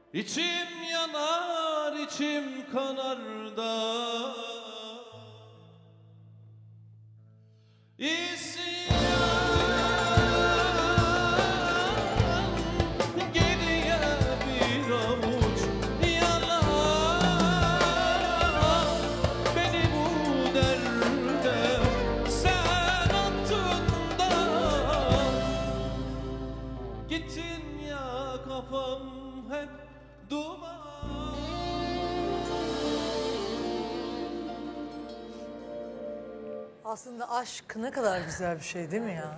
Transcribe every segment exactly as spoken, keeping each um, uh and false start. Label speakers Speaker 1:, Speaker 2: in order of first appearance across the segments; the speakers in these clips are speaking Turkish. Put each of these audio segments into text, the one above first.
Speaker 1: İçim yanar, içim kanar da İsyan geriye bir avuç yalan. Beni bu derde sen attın da gittin ya, kafam hep duman.
Speaker 2: Aslında aşk ne kadar güzel bir şey değil mi ya?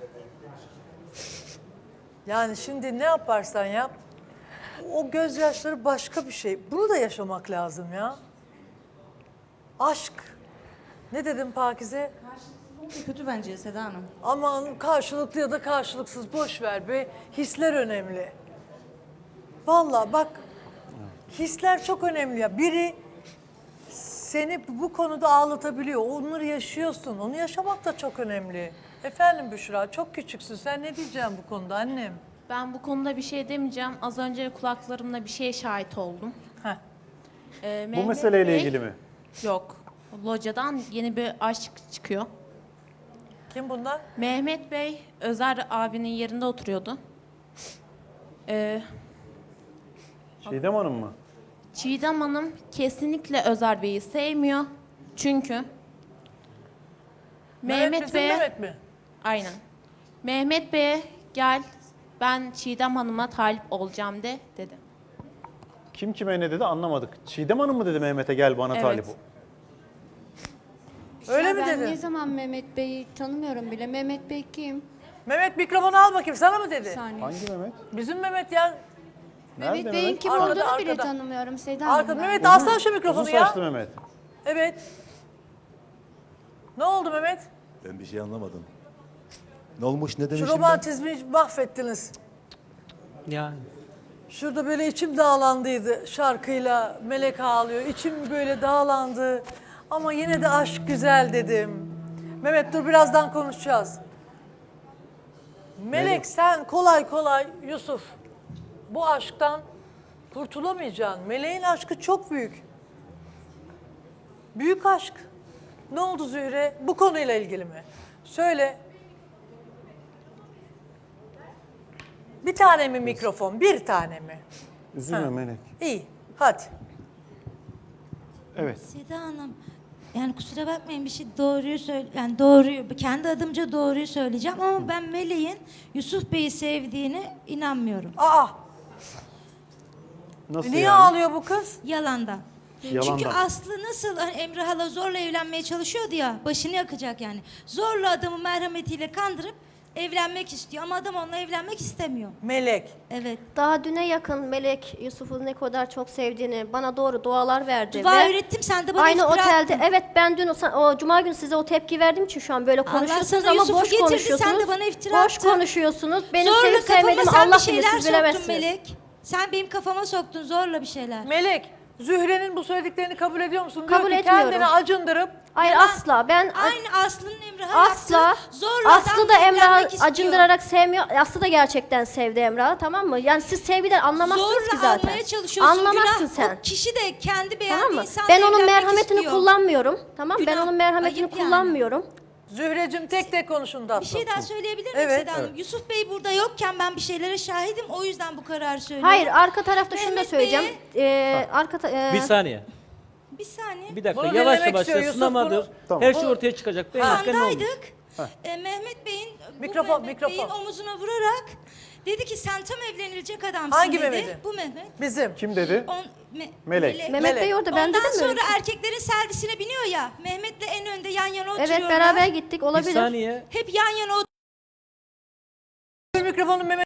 Speaker 2: Yani şimdi ne yaparsan yap, o gözyaşları başka bir şey. Bunu da yaşamak lazım ya. Aşk. Ne dedim Pakize?
Speaker 3: Kötü bence Seda Hanım.
Speaker 2: Aman karşılıklı ya da karşılıksız boş ver be. Hisler önemli. Vallahi bak, hisler çok önemli ya. Biri seni bu konuda ağlatabiliyor. Onları yaşıyorsun. Onu yaşamak da çok önemli. Efendim Büşra, çok küçüksün. Sen ne diyeceksin bu konuda annem?
Speaker 4: Ben bu konuda bir şey demeyeceğim. Az önce kulaklarımla bir şeye şahit oldum.
Speaker 2: Heh.
Speaker 4: Ee,
Speaker 5: Bu
Speaker 4: Mehmet
Speaker 5: meseleyle
Speaker 4: Bey-
Speaker 5: ilgili mi?
Speaker 4: Yok. Locadan yeni bir aşk çıkıyor.
Speaker 2: Kim bunlar?
Speaker 4: Mehmet Bey, Özer abinin yerinde oturuyordu. Ee,
Speaker 5: Çiğdem Hanım mı?
Speaker 4: Çiğdem Hanım kesinlikle Özer Bey'i sevmiyor. Çünkü Mehmet
Speaker 2: bizim
Speaker 4: Bey'e...
Speaker 2: Mehmet mi?
Speaker 4: Aynen. Mehmet Bey'e gel ben Çiğdem Hanım'a talip olacağım de dedi.
Speaker 5: Kim kime ne dedi anlamadık. Çiğdem Hanım mı dedi Mehmet'e gel bana
Speaker 4: Evet.
Speaker 5: talip ol.
Speaker 2: Öyle
Speaker 6: Ya
Speaker 2: mi
Speaker 6: ben
Speaker 2: dedi?
Speaker 6: ne zaman Mehmet Bey'i tanımıyorum bile. Mehmet Bey kim?
Speaker 2: Mehmet mikrofonu al bakayım, sana mı dedi?
Speaker 6: Bir saniye.
Speaker 5: Hangi Mehmet?
Speaker 2: Bizim Mehmet ya.
Speaker 5: Nerede
Speaker 6: Mehmet Bey'in
Speaker 5: Mehmet?
Speaker 6: kim
Speaker 2: Arkada,
Speaker 6: olduğunu bile
Speaker 2: arkada.
Speaker 6: tanımıyorum Seda Hanım.
Speaker 2: Arkada
Speaker 6: ben.
Speaker 2: Mehmet alsana şu mikrofonu
Speaker 5: Uzun
Speaker 2: ya.
Speaker 5: saçlı Mehmet.
Speaker 2: Evet. Ne oldu Mehmet?
Speaker 7: Ben bir şey anlamadım. Ne olmuş, ne
Speaker 2: Şu
Speaker 7: demişim ben?
Speaker 2: romantizmi mahvettiniz.
Speaker 8: Yani.
Speaker 2: Şurada böyle içim dağlandıydı şarkıyla, Melek ağlıyor. İçim böyle dağlandı. Ama yine de aşk güzel dedim. Mehmet dur, birazdan konuşacağız. Melek,
Speaker 5: Melek.
Speaker 2: sen kolay kolay Yusuf bu aşktan kurtulamayacaksın. Meleğin aşkı çok büyük. Büyük aşk. Ne oldu Zühre? Bu konuyla ilgili mi? Söyle. Bir tane mi mikrofon? Bir tane mi?
Speaker 5: Üzülme
Speaker 2: Ha.
Speaker 5: Melek.
Speaker 2: İyi. Hadi.
Speaker 5: Evet.
Speaker 9: Seda Hanım, yani kusura bakmayın bir şey doğruyu söyle, yani doğruyu, kendi adımca doğruyu söyleyeceğim ama ben Meleğin Yusuf Bey'i sevdiğine inanmıyorum.
Speaker 2: Aa,
Speaker 5: Nasıl
Speaker 2: niye
Speaker 5: yani?
Speaker 2: ağlıyor bu kız?
Speaker 9: Yalandan.
Speaker 5: Yalandan.
Speaker 9: Çünkü Aslı nasıl hani Emre hala zorla evlenmeye çalışıyordu ya, başını yakacak yani. Zorla adamı merhametiyle kandırıp evlenmek istiyor ama adam onunla evlenmek istemiyor.
Speaker 2: Melek.
Speaker 9: Evet.
Speaker 10: Daha düne yakın Melek Yusuf'u ne kadar çok sevdiğini bana doğru dualar verdi.
Speaker 9: Dua
Speaker 10: ve
Speaker 9: ürettim, sen de bana
Speaker 10: aynı
Speaker 9: iftira
Speaker 10: otelde,
Speaker 9: attın.
Speaker 10: evet ben dün o, o cuma günü size o tepki verdiğim için şu an böyle
Speaker 9: Allah
Speaker 10: konuşuyorsunuz
Speaker 9: sana
Speaker 10: ama
Speaker 9: Yusuf'u
Speaker 10: boş
Speaker 9: getirdi,
Speaker 10: konuşuyorsunuz.
Speaker 9: sen de bana iftira
Speaker 10: boş
Speaker 9: attın.
Speaker 10: konuşuyorsunuz. Benim
Speaker 9: Zorla
Speaker 10: sevip
Speaker 9: kafama
Speaker 10: sevmediğimi
Speaker 9: sen
Speaker 10: Allah
Speaker 9: bir
Speaker 10: bilir,
Speaker 9: şeyler
Speaker 10: siz
Speaker 9: soktun
Speaker 10: bilemezsiniz.
Speaker 9: Melek. Sen benim kafama soktun zorla bir şeyler.
Speaker 2: Melek, Zühre'nin bu söylediklerini kabul ediyor musun?
Speaker 10: Kabul
Speaker 2: Diyor ki
Speaker 10: etmiyorum.
Speaker 2: kendini acındırıp
Speaker 10: Hayır
Speaker 9: Yalan.
Speaker 10: asla. Ben
Speaker 9: Aynı Aslı'nın Emrah'a
Speaker 10: asla
Speaker 9: yaptığı zorla
Speaker 10: Aslı
Speaker 9: adam
Speaker 10: da Emrah'ı
Speaker 9: evlenmek istiyor.
Speaker 10: acındırarak sevmiyor. Aslı da gerçekten sevdi Emrah'ı, tamam mı? Yani siz sevgiden anlamazsınız
Speaker 9: Zorla
Speaker 10: ki zaten.
Speaker 9: almaya çalışıyorsun.
Speaker 10: Anlamazsın
Speaker 9: Günah.
Speaker 10: sen.
Speaker 9: O kişi de kendi beğendiği
Speaker 10: Tamam mı?
Speaker 9: insanla
Speaker 10: Ben onun
Speaker 9: evlenmek
Speaker 10: merhametini
Speaker 9: istiyor.
Speaker 10: kullanmıyorum. Tamam mı? Ben
Speaker 9: Günah.
Speaker 10: onun merhametini
Speaker 9: Ayıp yani.
Speaker 10: kullanmıyorum.
Speaker 2: Zühre'cim tek tek konuşun tatlım.
Speaker 9: Bir şey daha söyleyebilir miyim
Speaker 2: Evet.
Speaker 9: Seda Hanım? Yusuf Bey burada yokken ben bir şeylere şahidim. O yüzden bu kararı söylüyorum.
Speaker 10: Hayır, arka tarafta şunu da
Speaker 9: Mehmet
Speaker 10: söyleyeceğim.
Speaker 9: Bey'e-
Speaker 10: Ee, arka ta- ee,
Speaker 8: Bir saniye.
Speaker 9: Bir saniye.
Speaker 8: Bir dakika.
Speaker 2: Bunu
Speaker 8: Yavaş
Speaker 2: dinlemek
Speaker 8: yavaş
Speaker 2: istiyor Yusuf,
Speaker 8: sınamadır.
Speaker 2: bunu-
Speaker 5: Tamam.
Speaker 8: Her şey ortaya çıkacak. Benim hakkım ne olmuş?
Speaker 9: Andaydık. E, Mehmet Bey'in bu
Speaker 2: Mikrofon,
Speaker 9: Mehmet
Speaker 2: mikrofon.
Speaker 9: Bey'in omuzuna vurarak dedi ki sen tam evlenilecek adamsın
Speaker 2: Hangi
Speaker 9: dedi.
Speaker 2: Mehmet'i?
Speaker 9: Bu Mehmet.
Speaker 2: Bizim.
Speaker 5: Kim dedi?
Speaker 9: On, me-
Speaker 5: Melek.
Speaker 10: Mehmet
Speaker 2: Melek.
Speaker 10: Bey orada, ben
Speaker 9: Ondan
Speaker 10: dedim mi? öyle
Speaker 9: sonra
Speaker 10: bir şey?
Speaker 9: erkeklerin servisine biniyor ya. Mehmet'le en önde yan yana
Speaker 10: Evet,
Speaker 9: oturuyorlar.
Speaker 10: beraber gittik,
Speaker 8: Bir
Speaker 10: olabilir.
Speaker 8: saniye.
Speaker 9: Hep yan yana oturuyorlar.
Speaker 2: Mikrofonu Mehmet.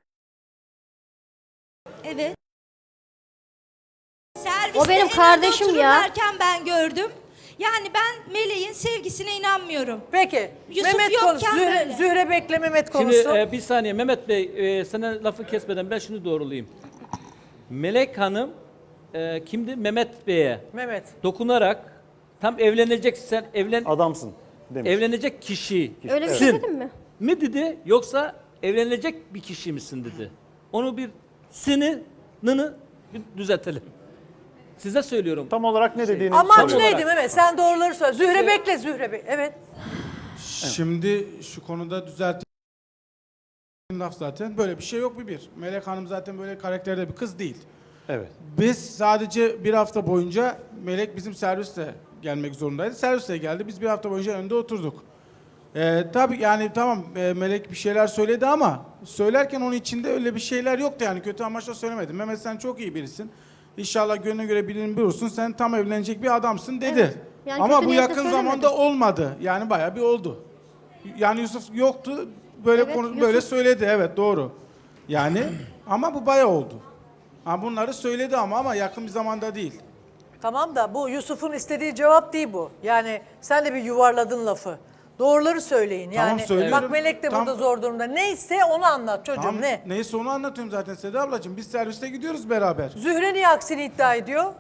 Speaker 9: Evet. Serviste
Speaker 10: O benim
Speaker 9: en önde
Speaker 10: kardeşim ya.
Speaker 9: otururlarken ben gördüm. Yani ben Meleğin sevgisine inanmıyorum.
Speaker 2: Peki.
Speaker 9: Yusuf
Speaker 2: Mehmet konuş.
Speaker 9: yokken
Speaker 2: Zühre,
Speaker 9: böyle.
Speaker 2: Zühre bekle, Mehmet
Speaker 8: Şimdi
Speaker 2: konuşsun.
Speaker 8: e, bir saniye Mehmet Bey, e, sana lafı kesmeden ben şunu doğrulayayım. Melek Hanım e, kimdi? Mehmet Bey'e
Speaker 2: Mehmet.
Speaker 8: dokunarak tam evlenecek sen evlen
Speaker 5: Adamsın demiş.
Speaker 8: evlenecek kişi
Speaker 10: Öyle bir
Speaker 8: sin
Speaker 10: şey dedim mi?
Speaker 8: mi dedi yoksa evlenecek bir kişi misin dedi. Onu bir seni nını Bir düzeltelim. Size söylüyorum.
Speaker 5: Tam olarak ne dediğini
Speaker 2: Amaç
Speaker 5: soruyorum.
Speaker 2: neydi Mehmet? Sen doğruları söyle. Zühre bekle Zühre Bey. Evet.
Speaker 11: Şimdi şu konuda düzelttiğim laf zaten böyle bir şey yok bir bir. Melek Hanım zaten böyle karakterde bir kız değil.
Speaker 5: Evet.
Speaker 11: Biz sadece bir hafta boyunca Melek bizim serviste gelmek zorundaydı. Serviste geldi. Biz bir hafta boyunca önde oturduk. Ee, tabii yani tamam e, Melek bir şeyler söyledi ama söylerken onun içinde öyle bir şeyler yoktu yani kötü amaçla söylemedim. Mehmet sen çok iyi birisin. İnşallah gönlüne göre birini bulursun. Sen tam evlenecek bir adamsın dedi.
Speaker 10: Evet. Yani
Speaker 11: Ama
Speaker 10: kötü
Speaker 11: bu
Speaker 10: niyetle
Speaker 11: yakın
Speaker 10: söylemedim.
Speaker 11: zamanda olmadı. Yani bayağı bir oldu. Yani Yusuf yoktu. Böyle
Speaker 10: Evet,
Speaker 11: konu,
Speaker 10: Yusuf-
Speaker 11: böyle söyledi. Evet doğru. Yani ama bu bayağı oldu. Ha bunları söyledi ama ama yakın bir zamanda değil.
Speaker 2: Tamam da bu Yusuf'un istediği cevap değil bu. Yani sen de bir yuvarladın lafı. Doğruları söyleyin.
Speaker 11: Tamam,
Speaker 2: Yani
Speaker 11: söylüyorum.
Speaker 2: bak Melek de
Speaker 11: Tam-
Speaker 2: burada zor durumda. Neyse onu anlat çocuğum
Speaker 11: Tamam,
Speaker 2: ne?
Speaker 11: neyse onu anlatıyorum zaten Seda ablacığım. Biz serviste gidiyoruz beraber.
Speaker 2: Zühre niye aksini iddia ediyor?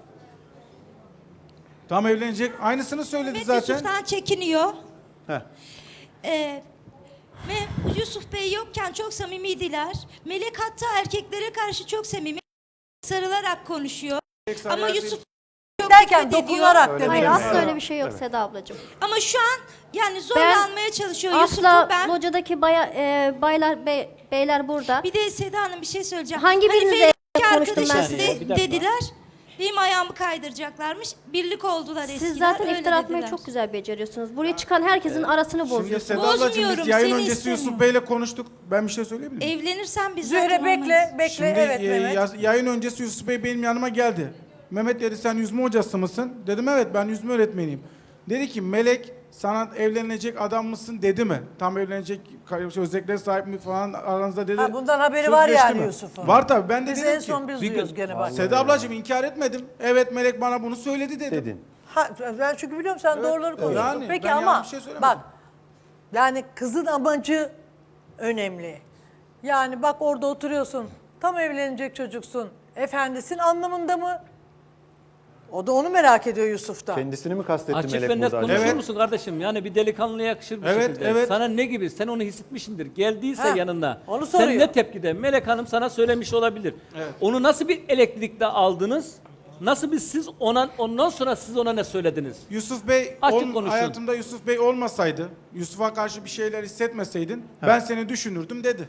Speaker 11: Tam evlenecek. Aynısını söyledi
Speaker 9: Mehmet
Speaker 11: zaten.
Speaker 9: Yusuf'tan çekiniyor.
Speaker 5: Heh.
Speaker 9: Ee, ve Yusuf Bey yokken çok samimiydiler. Melek hatta erkeklere karşı çok samimi. Sarılarak konuşuyor. Ama Yusuf çok
Speaker 2: Derken
Speaker 9: nefret ediyor.
Speaker 2: dokunarak
Speaker 5: Öyle
Speaker 2: demek.
Speaker 10: Hayır
Speaker 5: Evet.
Speaker 10: asla öyle bir şey yok Seda ablacığım.
Speaker 9: Ama şu an yani zorla
Speaker 10: Ben
Speaker 9: almaya çalışıyor Yusuf'u.
Speaker 10: Asla
Speaker 9: Ben
Speaker 10: locadaki baya, e, baylar bey, beyler burada.
Speaker 9: bir de Seda Hanım bir şey söyleyeceğim.
Speaker 10: Hangi
Speaker 9: Hani
Speaker 10: birinizle
Speaker 9: Melek
Speaker 10: konuştum ben
Speaker 9: arkadaşız
Speaker 10: size?
Speaker 9: de-
Speaker 8: Bir dakika.
Speaker 9: dediler. Benim ayağımı kaydıracaklarmış. Birlik oldular eskiden.
Speaker 10: Siz zaten
Speaker 9: öyle
Speaker 10: iftira atmayı
Speaker 9: dediler.
Speaker 10: çok güzel beceriyorsunuz. Buraya çıkan herkesin arasını
Speaker 11: Şimdi
Speaker 10: bozuyorsunuz.
Speaker 11: Seda ablacığım
Speaker 9: Bozmuyorum,
Speaker 11: biz yayın
Speaker 9: seni
Speaker 11: öncesi
Speaker 9: istemiyorum.
Speaker 11: Yusuf Bey'le konuştuk. Ben bir şey söyleyebilir miyim?
Speaker 9: Evlenirsen biz
Speaker 2: Zühre
Speaker 9: zaten
Speaker 2: bekle,
Speaker 9: olmayız.
Speaker 2: bekle.
Speaker 11: Şimdi
Speaker 2: evet
Speaker 11: e,
Speaker 2: Mehmet.
Speaker 11: yaz- yayın öncesi Yusuf Bey benim yanıma geldi. Mehmet dedi sen yüzme hocası mısın? Dedim evet ben yüzme öğretmeniyim. Dedi ki Melek sana evlenecek adam mısın dedi mi? Tam evlenecek kar- özelliklere sahip mi falan aranızda dedi.
Speaker 2: Ha, bundan haberi
Speaker 11: Söz
Speaker 2: var
Speaker 11: geçti
Speaker 2: yani
Speaker 11: mi?
Speaker 2: Yusuf'un.
Speaker 11: Var tabii ben de
Speaker 2: Biz
Speaker 11: dedim
Speaker 2: en
Speaker 11: ki.
Speaker 2: son biz
Speaker 8: Bir
Speaker 2: duyuyoruz
Speaker 8: gün-
Speaker 2: gene bak.
Speaker 11: Seda ablacığım inkar etmedim. Evet Melek bana bunu söyledi dedim.
Speaker 5: Dedin.
Speaker 2: Ha, ben çünkü biliyorum sen
Speaker 11: Evet,
Speaker 2: doğruları konuşuyorsun.
Speaker 11: yani
Speaker 2: Peki
Speaker 11: ben
Speaker 2: ama
Speaker 11: yanlış bir şey söylemedim.
Speaker 2: bak yani kızın amacı önemli. Yani bak orada oturuyorsun. Tam evlenecek çocuksun. Efendisin anlamında mı? O da onu merak ediyor Yusuf'tan.
Speaker 5: Kendisini mi kastetti
Speaker 8: Açık
Speaker 5: Melek
Speaker 8: ve net
Speaker 5: burada?
Speaker 8: konuşur
Speaker 11: Evet.
Speaker 8: musun kardeşim? Yani bir delikanlıya yakışır bir
Speaker 11: Evet,
Speaker 8: şekilde.
Speaker 11: evet.
Speaker 8: Sana ne gibi? Sen onu hissetmişsindir. Geldiyse
Speaker 2: Ha,
Speaker 8: yanına.
Speaker 2: onu
Speaker 8: sen
Speaker 2: soruyor.
Speaker 8: ne tepkide? Melek Hanım sana söylemiş olabilir. Onu nasıl bir elektrikle aldınız? Nasıl bir siz ona ondan sonra siz ona ne söylediniz?
Speaker 11: Yusuf Bey
Speaker 8: Açık
Speaker 11: ol-
Speaker 8: konuşun.
Speaker 11: hayatımda Yusuf Bey olmasaydı, Yusuf'a karşı bir şeyler hissetmeseydin ben seni düşünürdüm dedi.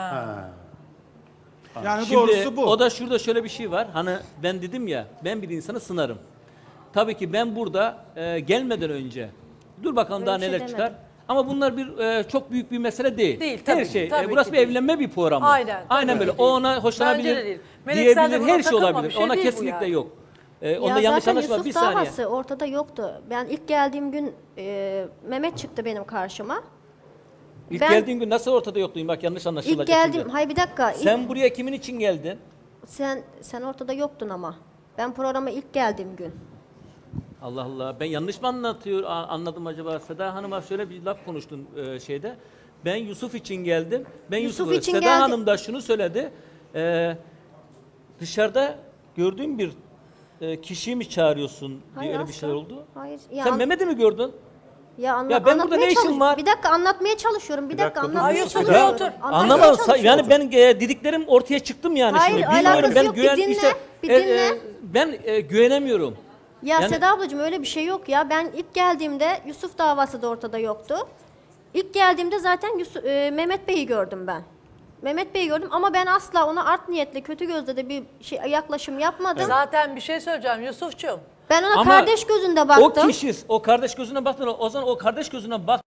Speaker 11: Yani
Speaker 8: Şimdi
Speaker 11: doğrusu bu.
Speaker 8: o da şurada şöyle bir şey var. Hani ben dedim ya ben bir insanı sınarım. Tabii ki ben burada e, gelmeden önce dur bakalım
Speaker 10: Öyle
Speaker 8: daha
Speaker 10: bir şey
Speaker 8: neler
Speaker 10: demedim.
Speaker 8: çıkar. Ama bunlar bir e, çok büyük bir mesele değil.
Speaker 2: Değil,
Speaker 8: Her
Speaker 2: tabii,
Speaker 8: şey.
Speaker 2: tabii
Speaker 8: e, burası
Speaker 2: ki
Speaker 8: bir
Speaker 2: değil.
Speaker 8: evlenme bir programı.
Speaker 2: Aynen,
Speaker 8: Aynen
Speaker 2: tabii
Speaker 8: böyle.
Speaker 2: ki
Speaker 8: O
Speaker 2: değil.
Speaker 8: ona hoşlanabilir.
Speaker 2: Bence de değil. Melek, sen de
Speaker 8: diyebilir.
Speaker 2: buna
Speaker 8: Her şey
Speaker 2: takılma,
Speaker 8: olabilir.
Speaker 2: bir şey
Speaker 8: ona
Speaker 2: değil bu
Speaker 8: kesinlikle
Speaker 2: yani.
Speaker 8: yok. E, onda
Speaker 10: Ya
Speaker 8: yanlış
Speaker 10: zaten
Speaker 8: anlaşılma.
Speaker 10: Yusuf
Speaker 8: Bir saniye.
Speaker 10: davası ortada yoktu. Ben ilk geldiğim gün e, Mehmet çıktı benim karşıma.
Speaker 8: İlk
Speaker 10: ben-
Speaker 8: geldiğin gün nasıl ortada yoktun? Bak yanlış anlaşılacak.
Speaker 10: İlk geldim.
Speaker 8: şimdi.
Speaker 10: Hayır bir dakika. ilk-
Speaker 8: Sen buraya kimin için geldin?
Speaker 10: sen sen ortada yoktun ama. Ben programa ilk geldiğim gün.
Speaker 8: Allah Allah. Ben yanlış mı anlatıyor a- anladım acaba? Seda Hanım'a şöyle bir laf konuştun e, şeyde. Ben Yusuf için geldim. Ben
Speaker 10: Yusuf
Speaker 8: Yusuf'u
Speaker 10: için
Speaker 8: Seda
Speaker 10: geldi-
Speaker 8: Hanım da şunu söyledi. E, dışarıda gördüğüm bir e, kişiyi mi çağırıyorsun diye
Speaker 10: Hayır,
Speaker 8: öyle bir
Speaker 10: asla.
Speaker 8: şeyler oldu.
Speaker 10: Hayır. Ya,
Speaker 8: Sen
Speaker 10: an-
Speaker 8: Mehmet'i mi gördün?
Speaker 10: ya, anla-
Speaker 8: Ya ben burada
Speaker 10: anlatmaya
Speaker 8: ne işim
Speaker 10: çalış-
Speaker 8: var?
Speaker 10: Bir dakika anlatmaya çalışıyorum. Bir,
Speaker 5: Bir
Speaker 10: dakika,
Speaker 5: dakika, dur.
Speaker 10: anlatmaya
Speaker 2: Hayır, Yusuf,
Speaker 10: çalışıyorum.
Speaker 2: otur.
Speaker 10: Anlatmaya
Speaker 8: Anlamadım. Sa-
Speaker 10: çalışıyorum.
Speaker 8: Yani ben e, dediklerim ortaya çıktım yani
Speaker 10: Hayır,
Speaker 8: şimdi. Bilmiyorum
Speaker 10: alakası
Speaker 8: ben
Speaker 10: yok. Bir
Speaker 8: güven
Speaker 10: dinle,
Speaker 8: işte
Speaker 10: bir
Speaker 8: e, e,
Speaker 10: dinle.
Speaker 8: ben e, güvenemiyorum.
Speaker 10: Ya
Speaker 8: Yani-
Speaker 10: Seda ablacığım öyle bir şey yok ya. Ben ilk geldiğimde Yusuf davası da ortada yoktu. İlk geldiğimde zaten Yusuf, e, Mehmet Bey'i gördüm ben. Mehmet Bey'i gördüm ama ben asla ona art niyetle, kötü gözle de bir şey yaklaşım yapmadım.
Speaker 2: Zaten bir şey söyleyeceğim Yusuf'cuğum.
Speaker 10: Ben ona
Speaker 8: Ama
Speaker 10: kardeş gözünde baktım.
Speaker 8: O kişi, o kardeş gözüne baktın. O zaman o kardeş gözüne bak.